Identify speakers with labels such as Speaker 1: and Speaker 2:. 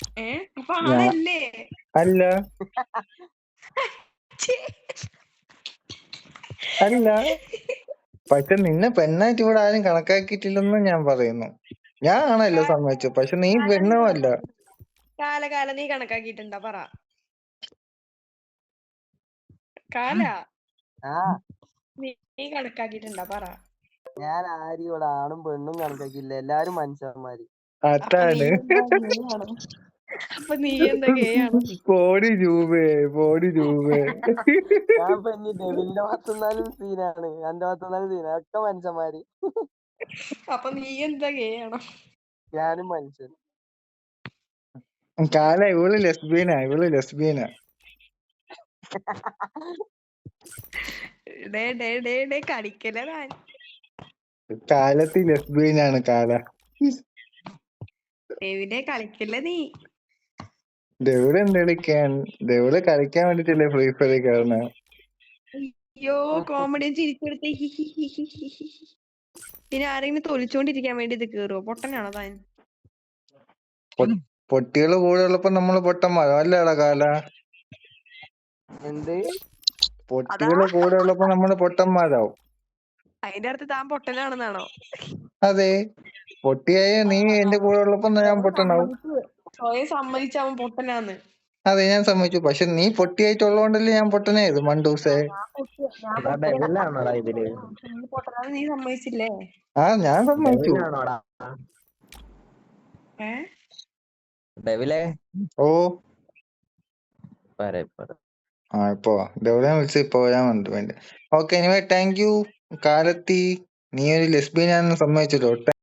Speaker 1: അപ്പൊ
Speaker 2: ഞാൻ
Speaker 1: ആണല്ലേ?
Speaker 2: അല്ല
Speaker 1: ഛേ,
Speaker 2: അല്ല. പക്ഷെ നിന്നെ പെണ്ണായിട്ട് ഇവിടെ ആരും കണക്കാക്കിയിട്ടില്ലെന്ന് ഞാൻ പറയുന്നു. ഞാൻ ആണല്ലോ
Speaker 1: കാല
Speaker 2: സമ്മതിച്ചു, പക്ഷെ നീ
Speaker 1: കാല നീ
Speaker 2: പെണ്ണും അല്ല.
Speaker 1: കണക്കാക്കി കാല നീ കണക്കാക്കിയിട്ടുണ്ടാ പറ. കാല
Speaker 3: ആ
Speaker 1: നീ കണക്കാക്കിയിട്ടുണ്ടാ പറ.
Speaker 3: ഞാൻ ആരും ഇവിടെ ആണും പെണ്ണും കണക്കാക്കിയില്ല, എല്ലാരും മനുഷ്യന്മാര്.
Speaker 1: അപ്പൊ നീ
Speaker 2: അതാണ്.
Speaker 1: എന്താ ഗേ ആണോ? അപ്പൊ നീ എന്താ ഗേ ആണോ?
Speaker 2: കോടി രൂപേ.
Speaker 3: ഞാൻ ഇപ്പൊ ഇനി ഡെവിലിന്റെ ഭാഗത്തുനിന്നാലും സീനാണ്, എന്റെ ഭാഗത്തുനിന്നാലും സീനാണ്, ഒക്കെ മനുഷ്യന്മാര്.
Speaker 1: അപ്പൊ നീ എന്താ ഗേ ആണോ?
Speaker 3: ഞാനും മനുഷ്യൻ.
Speaker 2: കാല ഇവള് ലെസ്ബീനാ.
Speaker 1: ഡേ കളിക്കല താൻ.
Speaker 2: കാലത്ത് ലെസ്ബീനാണ് കാല.
Speaker 1: ഡേവിഡെ കളിക്കല്ല നീ.
Speaker 2: ഡെവിഡ് ഡെവിഡ് കളിക്കാൻ വേണ്ടിട്ടല്ലേ ഫ്രീ ഫയർ കയറുന്ന.
Speaker 1: അയ്യോ കോമഡിയൻ ചിരിച്ചെടുത്ത് പിന്നെ ആരെങ്കിലും തൊലിച്ചോണ്ടിരിക്കാൻ വേണ്ടി ഇത് കേറുവോ? പൊട്ടനാണോ താൻ?
Speaker 2: പൊട്ടികള് കൂടെ ഉള്ളപ്പോ നമ്മള് പൊട്ടന്മാരോ അല്ലേടാ കാല?
Speaker 3: എന്ത്?
Speaker 2: പൊട്ടികള് കൂടെ ഉള്ളപ്പോ നമ്മള് പൊട്ടന്മാരാവും.
Speaker 1: അതിന്റെ അടുത്ത് താൻ പൊട്ടനാണെന്നാണോ?
Speaker 2: അതെ, പൊട്ടിയായ നീ എന്റെ കൂടെ ഉള്ളപ്പോ ഞാൻ പൊട്ടനാവും.
Speaker 1: സ്വയം സമ്മതിച്ച അവൻ പൊട്ടനാന്ന്.
Speaker 2: അതെ, ഞാൻ സമ്മതിച്ചു. പക്ഷെ നീ പൊട്ടിയായിട്ടുള്ളതുകൊണ്ടല്ലേ ഞാൻ പൊട്ടനായത് മണ്ടൂസേ.
Speaker 3: ഡെവിലാണോടാ ഇതില്?
Speaker 1: നീ പൊട്ടനാന്ന് നീ സമ്മതിച്ചില്ലേ?
Speaker 2: ഞാൻ സമ്മതിച്ചു.
Speaker 3: ഡെവിലാണോടാ?
Speaker 1: ഏ
Speaker 3: ഡെവിലേ
Speaker 2: ഓ
Speaker 3: പറ
Speaker 2: ഇപ്പൊ ഡെവിഡെ വിളിച്ച് ഇപ്പൊ ഞാൻ വന്നിട്ട്. ഓക്കെ, എനിവേ താങ്ക് യു കാലത്തി. നീ ഒരു ലെസ്ബിയനാണെന്ന് സമ്മതിച്ചല്ലോ.